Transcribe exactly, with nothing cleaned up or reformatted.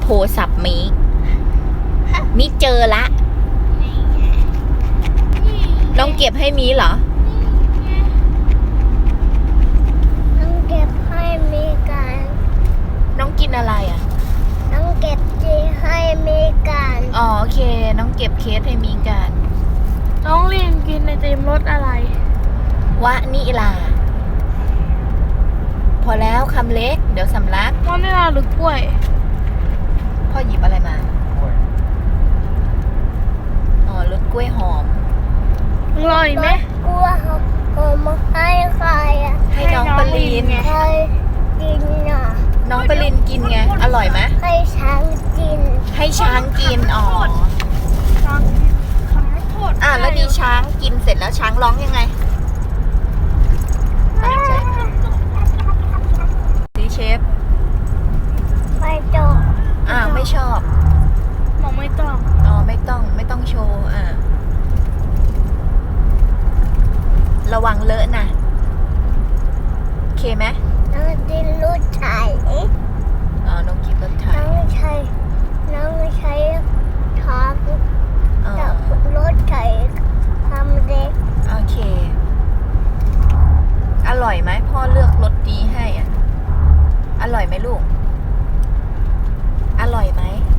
รศัพท์มิกมิกเจอละน้องเก็บให้มีเหรอน้องเก็บให้มีกันน้องกินอะไรอ่ะน้องเก็บจีให้มีกันอ๋อโอเคน้องเก็บเคสให้มีกันน้องเรียนกินไอติมรสอะไรวะนิลาพอแล้วคำเล็กเดี๋ยวสำลักวานิลาหรือกล้วยพ่อหยิบอะไรมาอ๋อรสกล้วยหอมอร่อยไหมกล้วยหอมหอมให้ใครอ่ะให้น้องปรินใครกินอ่ะน้องปรินกินไงอร่อยไหมให้ช้างกินให้ช้างกินอ๋อช้างกินคำไม่โทษอ่ะแล้วดีช้างกินเสร็จแล้วช้างร้องยังไงดีเชฟไม่จบอ่าไม่ชอบมองไม่ต้องอ๋อไม่ต้องไม่ต้องโชว์อ่าระวังเลอะนะโอเคไหมน้องดินรู้ไถอ๋อน้องกินรถไถน้องใช้น้องใช้ท้องกับรถไถทำเด็กโอเคอร่อยไหมพ่อเลือกรสดีให้อ่ะอร่อยไหมลูกอร่อยไหม